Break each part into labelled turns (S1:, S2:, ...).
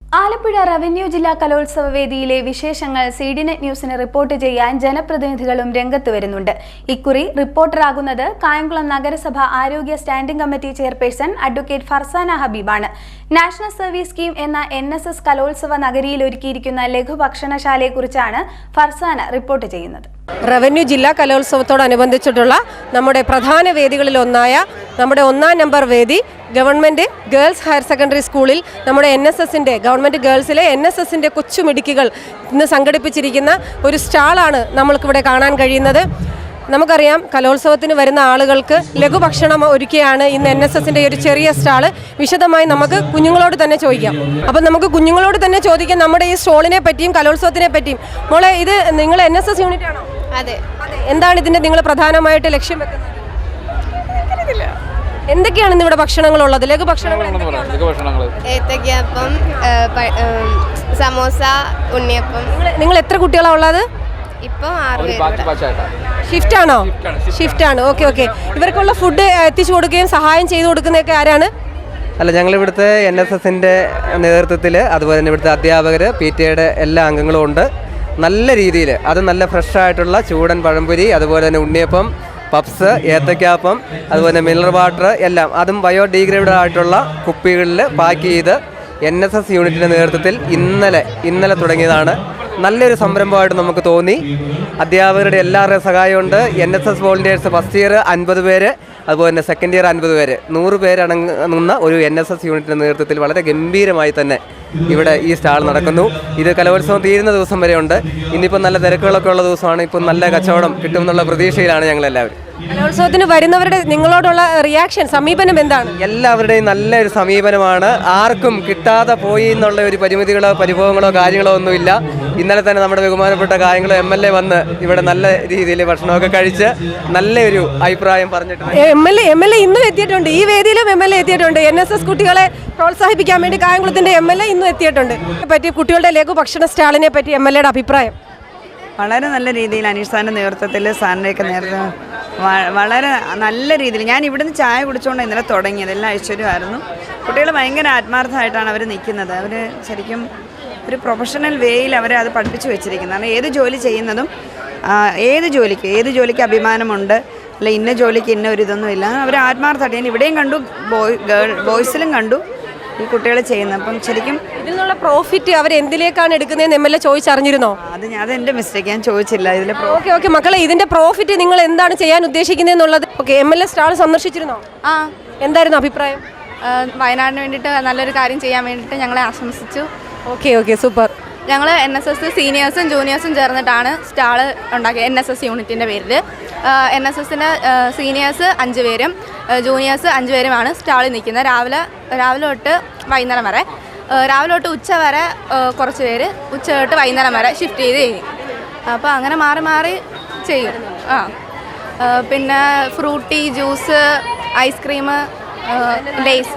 S1: Alappuzha revenue ജില്ലാ കലോത്സവ വേദിയിലെ വിശേഷങ്ങൾ സീഡിനെറ്റ് ന്യൂസിന് റിപ്പോർട്ട് ചെയ്യാൻ ജനപ്രതിനിധികളും രംഗത്ത് വരുന്നുണ്ട്. ഇക്കുറി റിപ്പോർട്ടറാകുന്നത് കായംകുളം നഗരസഭ ആരോഗ്യ standing committee chairperson advocate Farsana ഹബീബാണ്. നാഷണൽ സർവീസ് സ്കീം എന്ന NSS കലോത്സവ നഗരിയിൽ ഒരുക്കിയിരിക്കുന്ന ലഘുഭക്ഷണശാലയെക്കുറിച്ചാണ് ഫർസാന റിപ്പോർട്ട് ചെയ്യുന്നത്.
S2: റവന്യൂ ജില്ലാ കലോത്സവത്തോടനുബന്ധിച്ചിട്ടുള്ള നമ്മുടെ പ്രധാന വേദികളിലൊന്നായ നമ്മുടെ 1-ാം നമ്പർ വേദി ഗവൺമെൻറ് ഗേൾസ് ഹയർ സെക്കൻഡറി സ്കൂളിൽ നമ്മുടെ NSSൻ്റെ ഗവൺമെൻറ് ഗേൾസിലെ NSSൻ്റെ കൊച്ചുമിടുക്കികൾ ഇന്ന് സംഘടിപ്പിച്ചിരിക്കുന്ന ഒരു സ്റ്റാളാണ് നമ്മൾക്കിവിടെ കാണാൻ കഴിയുന്നത്. നമുക്കറിയാം, കലോത്സവത്തിന് വരുന്ന ആളുകൾക്ക് ലഘുഭക്ഷണം ഒരുക്കിയാണ് ഇന്ന് NSSൻ്റെ ഒരു ചെറിയ സ്റ്റാള്. വിശദമായി നമുക്ക് കുഞ്ഞുങ്ങളോട് തന്നെ ചോദിക്കാം. അപ്പം നമുക്ക് കുഞ്ഞുങ്ങളോട് തന്നെ ചോദിക്കാം നമ്മുടെ ഈ സ്റ്റോളിനെ പറ്റിയും കലോത്സവത്തിനെ പറ്റിയും. മോളെ, ഇത് നിങ്ങൾ NSS യൂണിറ്റ് ആണോ?
S3: അതെ.
S2: എന്താണ് ഇതിൻ്റെ നിങ്ങൾ പ്രധാനമായിട്ട് ലക്ഷ്യം വെക്കുന്നത്? എന്തൊക്കെയാണ് ഇന്ന് ഇവിടെ ഭക്ഷണങ്ങളുള്ളത്? ലഘുഭക്ഷണങ്ങൾ
S3: ഏത്തയ്ക്കപ്പം, സമോസ, ഉണ്ണിയപ്പം.
S2: നിങ്ങൾ എത്ര കുട്ടികളാണ് ഉള്ളത്?
S3: ഇപ്പം 6 പേര്.
S2: ഷിഫ്റ്റ് ആണോ? ഷിഫ്റ്റ് ആണ്. ഓക്കെ. ഇവർക്കുള്ള ഫുഡ് എത്തിച്ചു കൊടുക്കുകയും സഹായം ചെയ്തു കൊടുക്കുന്നതൊക്കെ ആരാണ്?
S4: അല്ല, ഞങ്ങളിവിടുത്തെ NSSൻ്റെ നേതൃത്വത്തിൽ, അതുപോലെ തന്നെ ഇവിടുത്തെ അധ്യാപകർ, PTA എല്ലാ അംഗങ്ങളും ഉണ്ട്. നല്ല രീതിയിൽ, അത് നല്ല ഫ്രഷായിട്ടുള്ള ചൂടൻ പഴംപൊരി, അതുപോലെ തന്നെ ഉണ്ണിയപ്പം, പപ്സ്, ഏത്തയ്ക്കാപ്പം, അതുപോലെ മിനറൽ വാട്ടർ എല്ലാം, അതും ബയോഡീഗ്രേഡഡ് ആയിട്ടുള്ള കുപ്പികളിൽ പാക്ക് ചെയ്ത് NSS യൂണിറ്റിൻ്റെ നേതൃത്വത്തിൽ ഇന്നലെ തുടങ്ങിയതാണ്. നല്ലൊരു സംരംഭമായിട്ട് നമുക്ക് തോന്നി. അധ്യാപകരുടെ എല്ലാവരുടെയും സഹായമുണ്ട്. NSS വോളണ്ടിയേഴ്സ് ഫസ്റ്റ് ഇയർ 50 പേര്, അതുപോലെ തന്നെ സെക്കൻഡ് ഇയർ 50 പേര്, 100 പേരടങ്ങുന്ന ഒരു NSS യൂണിറ്റിൻ്റെ നേതൃത്വത്തിൽ വളരെ ഗംഭീരമായി തന്നെ ഇവിടെ ഈ സ്റ്റാൾ നടക്കുന്നു. ഇത് കലോത്സവം തീരുന്ന ദിവസം വരെ ഉണ്ട്. ഇന്നിപ്പോൾ നല്ല തിരക്കുകളൊക്കെ ഉള്ള ദിവസമാണ്. ഇപ്പം നല്ല കച്ചവടം കിട്ടുമെന്നുള്ള പ്രതീക്ഷയിലാണ് ഞങ്ങളെല്ലാവരും.
S2: കലോത്സവത്തിന് വരുന്നവരുടെ നിങ്ങളോടുള്ള റിയാക്ഷൻ, സമീപനം എന്താണ്?
S4: എല്ലാവരുടെയും നല്ലൊരു സമീപനമാണ്. ആർക്കും കിട്ടാതെ പോയി എന്നുള്ള ഒരു പരിമിതികളോ പരിഭവങ്ങളോ കാര്യങ്ങളോ ഒന്നുമില്ല. ഇന്നലെ തന്നെ നമ്മുടെ ബഹുമാനപ്പെട്ട കായംകുളം MLA വന്ന് ഇവിടെ നല്ല രീതിയിൽ ഭക്ഷണമൊക്കെ കഴിച്ച് നല്ലൊരു അഭിപ്രായം പറഞ്ഞിട്ടുണ്ട്.
S2: MLA ഇന്നും എത്തിയിട്ടുണ്ട്. ഈ വേദിയിലും MLA എത്തിയിട്ടുണ്ട്. NSS കുട്ടികളെ പ്രോത്സാഹിപ്പിക്കാൻ വേണ്ടി കായംകുളത്തിന്റെ MLA ഇന്നും എത്തിയിട്ടുണ്ട്. പറ്റി കുട്ടികളുടെ ലഘു ഭക്ഷണ സ്റ്റാളിനെ പറ്റി MLAയുടെ അഭിപ്രായം?
S5: വളരെ നല്ല രീതിയിൽ അനീഷ് സാറിൻ്റെ നേതൃത്വത്തിൽ, സാറിൻ്റെയൊക്കെ നേതൃത്വം വളരെ നല്ല രീതിയിൽ. ഞാൻ ഇവിടുന്ന് ചായ കുടിച്ചുകൊണ്ട് ഇന്നലെ തുടങ്ങിയത്. എല്ലാം ഐശ്വര്യമായിരുന്നു. കുട്ടികൾ ഭയങ്കര ആത്മാർത്ഥമായിട്ടാണ് അവർ നിൽക്കുന്നത്. അവർ ശരിക്കും ഒരു പ്രൊഫഷണൽ വേയിൽ അവരെ അത് പഠിപ്പിച്ചു വെച്ചിരിക്കുന്നത്. കാരണം ഏത് ജോലി ചെയ്യുന്നതും ഏത് ജോലിക്ക് അഭിമാനമുണ്ട്. അല്ല ഇന്ന ജോലിക്ക് ഇന്ന ഒരു ഇതൊന്നുമില്ല. അവർ ആത്മാർത്ഥമായിട്ട്, ഞാൻ ഇവിടെയും കണ്ടു, ബോയ്സിലും കണ്ടു ഈ കുട്ടികൾ ചെയ്യുന്നത്. അപ്പം ശരിക്കും
S2: ഇതിൽ നിന്നുള്ള പ്രോഫിറ്റ് അവർ എന്തിലേക്കാണ് എടുക്കുന്നതെന്ന് MLA ചോദിച്ചറിഞ്ഞിരുന്നോ?
S5: അത് എൻ്റെ മിസ്റ്റേക്ക്, ഞാൻ ചോദിച്ചില്ല. ഇതിൽ
S2: ഓക്കെ മക്കളെ, ഇതിന്റെ പ്രോഫിറ്റ് നിങ്ങൾ എന്താണ് ചെയ്യാൻ ഉദ്ദേശിക്കുന്നതെന്നുള്ളത് MLA സ്റ്റാൾ സന്ദർശിച്ചിരുന്നോ? എന്തായിരുന്നു അഭിപ്രായം?
S3: വയനാടിന് വേണ്ടിയിട്ട് നല്ലൊരു കാര്യം ചെയ്യാൻ വേണ്ടിയിട്ട് ഞങ്ങളെ ആശംസിച്ചു.
S2: Okay super.
S3: ഞങ്ങൾ NSS സീനിയേഴ്സും ജൂനിയേഴ്സും ചേർന്നിട്ടാണ് സ്റ്റാൾ ഉണ്ടാക്കിയത്. NSS യൂണിറ്റിൻ്റെ പേരിൽ NSSൻ്റെ സീനിയേഴ്സ് 5 പേരും ജൂനിയേഴ്സ് 5 പേരുമാണ് സ്റ്റാളിൽ നിൽക്കുന്നത്. രാവിലെ തൊട്ട് വൈകുന്നേരം വരെ, രാവിലെ തൊട്ട് ഉച്ച വരെ കുറച്ച് പേര്, ഉച്ച തൊട്ട് വൈകുന്നേരം വരെ ഷിഫ്റ്റ് ചെയ്ത് ചെയ്യും. അപ്പോൾ അങ്ങനെ മാറി ചെയ്യും. പിന്നെ ഫ്രൂട്ടി, ജ്യൂസ്, ഐസ്ക്രീം, ലേസ്.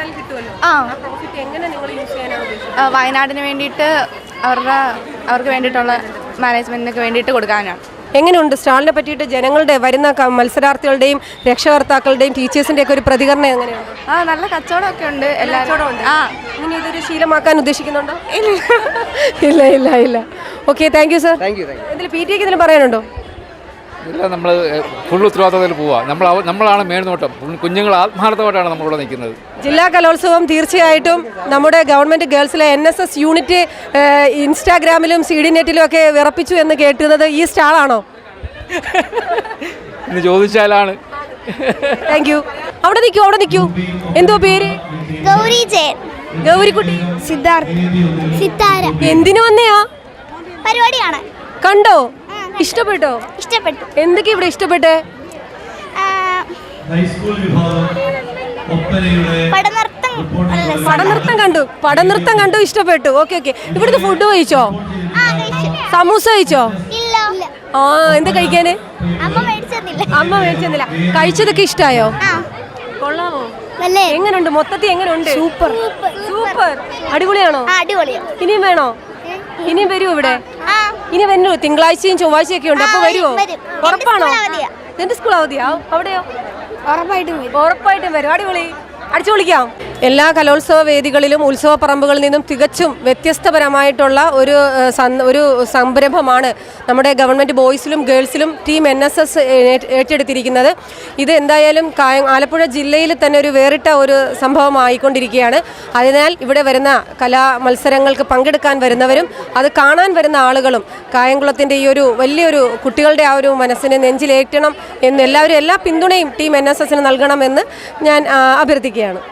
S3: വയനാടിന് വേണ്ടിയിട്ട് അവർക്ക് വേണ്ടിയിട്ടുള്ള മാനേജ്മെൻറ്റിനൊക്കെ വേണ്ടിയിട്ട് കൊടുക്കാനാണ്.
S2: എങ്ങനെയുണ്ട് സ്റ്റാളിനെ പറ്റിയിട്ട് ജനങ്ങളുടെ, വരുന്ന മത്സരാർത്ഥികളുടെയും രക്ഷകർത്താക്കളുടെയും ടീച്ചേഴ്സിൻ്റെയൊക്കെ ഒരു പ്രതികരണം എങ്ങനെയാണ്?
S3: നല്ല കച്ചവടമൊക്കെ ഉണ്ട്. എല്ലാവരും
S2: ഇങ്ങനെ ഇതൊരു ശീലമാക്കാൻ ഉദ്ദേശിക്കുന്നുണ്ടോ? ഇല്ല. Okay, thank you sir. ഇതിൽ PTA ഇതിൽ പറയാനുണ്ടോ?
S6: ഇല്ല, നമ്മൾ ഫുൾ ഉത്തരവാദിത്തത്തിൽ പോവുക. നമ്മളാണ് മേൽനോട്ടം. കുഞ്ഞുങ്ങൾ ആത്മാർത്ഥമായിട്ടാണ് നമ്മളിവിടെ നിൽക്കുന്നത്.
S2: ജില്ലാ കലോത്സവം തീർച്ചയായിട്ടും നമ്മുടെ ഗവൺമെൻറ് ഗേൾസിലെ NSS യൂണിറ്റ് ഇൻസ്റ്റാഗ്രാമിലും സീഡിനെറ്റിലും ഒക്കെ വിറപ്പിച്ചു എന്ന് കേട്ടുന്നത് ഈ സ്റ്റാളാണോ?
S6: എന്ന് ചോദിച്ചാലാണ്.
S2: Thank you. അവിടെ നിൽക്കൂ. എന്തോ പേര്? ഗൗരിക്കുട്ടി.
S7: സിത്താര.
S2: എന്തിനു വന്നെയാ?
S7: പരിപാടിയാണ്.
S2: കണ്ടോ? ഇഷ്ടപ്പെട്ടോ?
S7: ഇഷ്ടപ്പെട്ടു.
S2: എന്തൊക്കെ ഇവിടെ ഇഷ്ടപ്പെട്ടെ? പടനൃത്തം കണ്ടു ഇഷ്ടപ്പെട്ടു. ഓക്കെ. ഇവിടുത്തെ ഫുഡ് കഴിച്ചോ? സമൂസ കഴിച്ചോ? എന്താ കഴിക്കാന്? അമ്മ മേടിച്ചെന്നില്ല. കഴിച്ചതൊക്കെ ഇഷ്ടായോ? കൊള്ളാമോ? എങ്ങനുണ്ട്? മൊത്തത്തിൽ എങ്ങനുണ്ട്? സൂപ്പർ. അടിപൊളിയാണോ? ഇനിയും വേണോ? ഇനിയും വരുമോ ഇവിടെ? ഇനി വരുമോ? തിങ്കളാഴ്ചയും ചൊവ്വാഴ്ചയൊക്കെ ഉണ്ട്. അപ്പൊ വരുമോ? ഉറപ്പാണോ? എന്റെ സ്കൂൾ അവധിയാ? അവിടെയോ?
S7: ഉറപ്പായിട്ടും
S2: വരും. അടിപൊളി. അടിച്ചു പൊളിക്കാം. എല്ലാ കലോത്സവ വേദികളിലും ഉത്സവ പറമ്പുകളിൽ നിന്നും തികച്ചും വ്യത്യസ്തപരമായിട്ടുള്ള ഒരു സംരംഭമാണ് നമ്മുടെ ഗവൺമെൻറ് ബോയ്സിലും ഗേൾസിലും ടീം NSS ഏറ്റെടുത്തിരിക്കുന്നത്. ഇത് എന്തായാലും ആലപ്പുഴ ജില്ലയിൽ തന്നെ ഒരു വേറിട്ട ഒരു സംഭവമായിക്കൊണ്ടിരിക്കുകയാണ്. അതിനാൽ ഇവിടെ വരുന്ന കലാ മത്സരങ്ങൾക്ക് പങ്കെടുക്കാൻ വരുന്നവരും അത് കാണാൻ വരുന്ന ആളുകളും കായംകുളത്തിൻ്റെ ഈ ഒരു വലിയൊരു കുട്ടികളുടെ ആ ഒരു മനസ്സിനെ നെഞ്ചിലേറ്റണം എന്ന് എല്ലാ പിന്തുണയും ടീം NSSന് നൽകണമെന്ന് ഞാൻ അഭ്യർത്ഥിക്കുകയാണ്.